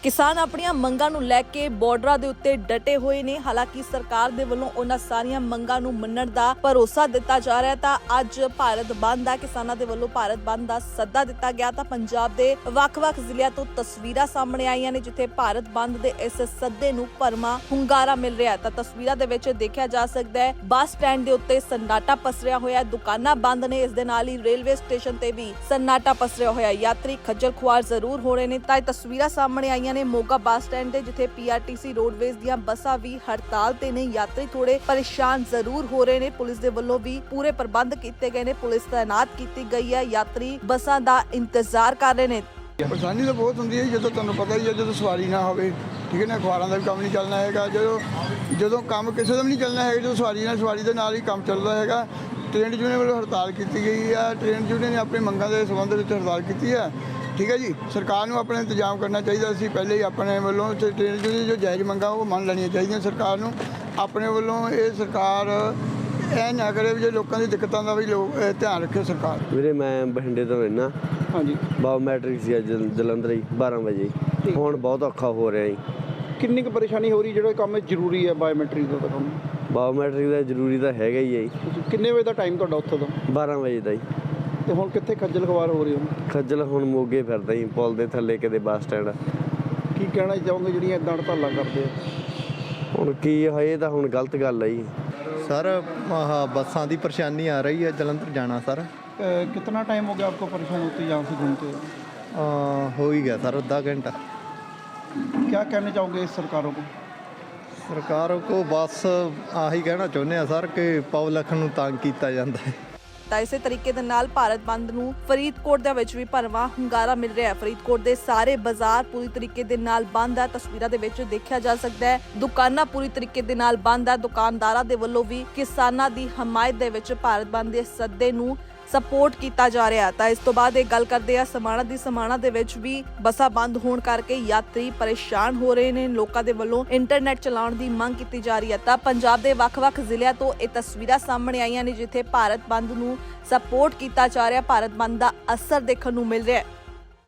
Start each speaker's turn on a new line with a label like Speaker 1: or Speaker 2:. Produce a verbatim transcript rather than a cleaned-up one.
Speaker 1: किसान अपनी मंगां नूं लैके बॉर्डरां दे उत्ते डटे हुए ने। हालांकि सरकार दे वल्लों उन्हां सारियां मंगां नूं मन्नण दा भरोसा दिता जा रहा है। तां अज भारत बंद आ, किसानां दे वल्लों भारत बंद दा सद्दा दिता गया। तां पंजाब दे वख-वख जिलिਆਂ ਤੋਂ तस्वीरां सामने आईयां ने जिथे भारत बंद दे इस सद्दे नूं भरमा ਹੁੰਗਾਰਾ मिल रहा है। तां तस्वीरां दे विच देखिया जा सकदा है ਬੱਸ स्टैंड दे उत्ते सन्नाटा पसरिया होया, दुकानां बंद ने। इस दे नाल ही रेलवे स्टेशन ते भी सन्नाटा पसरिया होया, यात्री खज्जल खुआर जरूर हो रहे ने। तां तस्वीरां सामने आईयां ने मोगा ਬੱਸ स्टैंड ते जिथे पीआरटीसी रोडवेज दीयां बसां भी हड़ताल ते ने। यात्री थोड़े परेशान जरूर हो रहे ने। पुलिस दे वल्लों भी पूरे प्रबंध कीते गए ने, पुलिस तैनात की गई है। यात्री बसां दा इंतजार कर रहे ने।
Speaker 2: परेशानी तो बहुत होंगी है, जो तुहानूं पता ही है, जो सवारी ना हो, ठीक है ना, अखबारों का भी काम नहीं चलना है। जो जो काम किसी का भी नहीं चलना है, जो सवारी ना सवारी के नाल ही काम चलता है। ट्रेन यूनियन वालों हड़ताल की गई है। ट्रेन यूनियन ने अपनी मंगों के संबंध में हड़ताल की है, ठीक है जी। सरकार को अपना इंतजाम करना चाहिए। असीं पहले ही अपने वालों ट्रेन यूनियन जो जायज़ मंगां वो मान लैनियां चाहिए। सरकार को अपने वालों ये सरकार ऐ ना करे जो लोगों की दिक्कतों का भी लोग ध्यान रखे सरकार।
Speaker 3: ਵੀਰੇ ਮੈਂ ਬਠਿੰਡੇ ਤੋਂ ਰਹਿਣਾ।
Speaker 2: ਹਾਂਜੀ,
Speaker 3: ਬਾਇਓਮੈਟ੍ਰਿਕ ਸੀ ਅੱਜ ਜਲੰਧਰ ਹੀ ਬਾਰਾਂ ਵਜੇ। ਹੁਣ ਬਹੁਤ ਔਖਾ ਹੋ ਰਿਹਾ ਜੀ।
Speaker 2: ਕਿੰਨੀ ਕੁ ਪਰੇਸ਼ਾਨੀ ਹੋ ਰਹੀ ਜਿਹੜਾ ਕੰਮ ਜ਼ਰੂਰੀ ਹੈ ਬਾਇਓਮੈਟ੍ਰਿਕ ਦਾ ਕੰਮ?
Speaker 3: ਬਾਇਓਮੈਟ੍ਰਿਕ ਦਾ ਜ਼ਰੂਰੀ ਤਾਂ ਹੈਗਾ ਹੀ ਹੈ ਜੀ।
Speaker 2: ਕਿੰਨੇ ਵਜੇ ਦਾ ਟਾਈਮ ਤੁਹਾਡਾ ਉੱਥੇ ਦਾ?
Speaker 3: ਬਾਰਾਂ ਵਜੇ ਦਾ ਜੀ।
Speaker 2: ਤੇ ਹੁਣ ਕਿੱਥੇ ਖੱਜਲ ਖਵਾਰ ਹੋ ਰਹੀ ਹੋ?
Speaker 3: ਖੱਜਲ ਹੁਣ ਮੋਗੇ ਫਿਰਦਾ ਜੀ, ਪੁਲ ਦੇ ਥੱਲੇ ਕਿਤੇ ਬੱਸ ਸਟੈਂਡ।
Speaker 2: ਕੀ ਕਹਿਣਾ ਚਾਹੋਗੇ ਜਿਹੜੀਆਂ ਇੱਦਾਂ ਹੜਤਾਲਾਂ ਕਰਦੇ ਆ?
Speaker 3: ਹੁਣ ਕੀ ਹੋਏ ਤਾਂ ਹੁਣ ਗਲਤ ਗੱਲ ਹੈ ਜੀ।
Speaker 4: सर हाँ बसा की परेशानी आ रही है, जलंधर जाना सर।
Speaker 2: कितना टाइम हो गया आपको परेशान होते यहाँ से घूमते?
Speaker 4: आ, हो ही गया सर आधा घंटा।
Speaker 2: क्या कहना चाहोगे इस सरकारों को?
Speaker 4: सरकारों को बस आही कहना चाਹੁੰਦੇ हैं सर कि पब्लिक ਨੂੰ तंग ਕੀਤਾ ਜਾਂਦਾ है।
Speaker 1: ਤਾਂ ਇਸੇ ਤਰੀਕੇ ਦੇ ਨਾਲ ਭਾਰਤ ਬੰਦ ਨੂੰ ਫਰੀਦਕੋਟ ਦੇ ਵਿੱਚ ਵੀ ਭਰਵਾਂ ਹੁੰਗਾਰਾ ਮਿਲ ਰਿਹਾ ਹੈ। ਫਰੀਦਕੋਟ ਦੇ ਸਾਰੇ ਬਾਜ਼ਾਰ ਪੂਰੀ ਤਰੀਕੇ ਦੇ ਨਾਲ ਬੰਦ ਹੈ। ਤਸਵੀਰਾਂ ਦੇ ਵਿੱਚ ਦੇਖਿਆ ਜਾ ਸਕਦਾ ਹੈ ਦੁਕਾਨਾਂ ਪੂਰੀ ਤਰੀਕੇ ਦੇ ਨਾਲ ਬੰਦ ਹੈ। ਦੁਕਾਨਦਾਰਾਂ ਦੇ ਵੱਲੋਂ ਵੀ ਕਿਸਾਨਾਂ ਦੀ ਹਮਾਇਤ ਦੇ ਵਿੱਚ ਭਾਰਤ ਬੰਦ ਦੇ ਸੱਦੇ ਨੂੰ ਸਪੋਰਟ ਕੀਤਾ ਜਾ ਰਿਹਾ। ਤਾਂ ਇਸ ਤੋਂ ਬਾਅਦ ਇਹ ਗੱਲ ਕਰਦੇ ਆ ਸਮਾਣਾ ਦੀ। ਸਮਾਣਾ ਦੇ ਵਿੱਚ ਵੀ ਬੱਸਾਂ ਬੰਦ ਹੋਣ ਕਰਕੇ ਯਾਤਰੀ ਪਰੇਸ਼ਾਨ ਹੋ ਰਹੇ ਨੇ। ਲੋਕਾਂ ਦੇ ਵੱਲੋਂ ਇੰਟਰਨੈਟ ਚਲਾਉਣ ਦੀ ਮੰਗ ਕੀਤੀ ਜਾ ਰਹੀ ਹੈ। ਤਾਂ ਪੰਜਾਬ ਦੇ ਵੱਖ-ਵੱਖ ਜ਼ਿਲ੍ਹਿਆਂ ਤੋਂ ਇਹ ਤਸਵੀਰਾਂ ਸਾਹਮਣੇ ਆਈਆਂ ਨੇ ਜਿੱਥੇ ਭਾਰਤ ਬੰਦ ਨੂੰ ਸਪੋਰਟ ਕੀਤਾ ਜਾ ਰਿਹਾ, ਭਾਰਤ ਬੰਦ ਦਾ ਅਸਰ ਦੇਖਣ ਨੂੰ ਮਿਲ ਰਿਹਾ ਹੈ।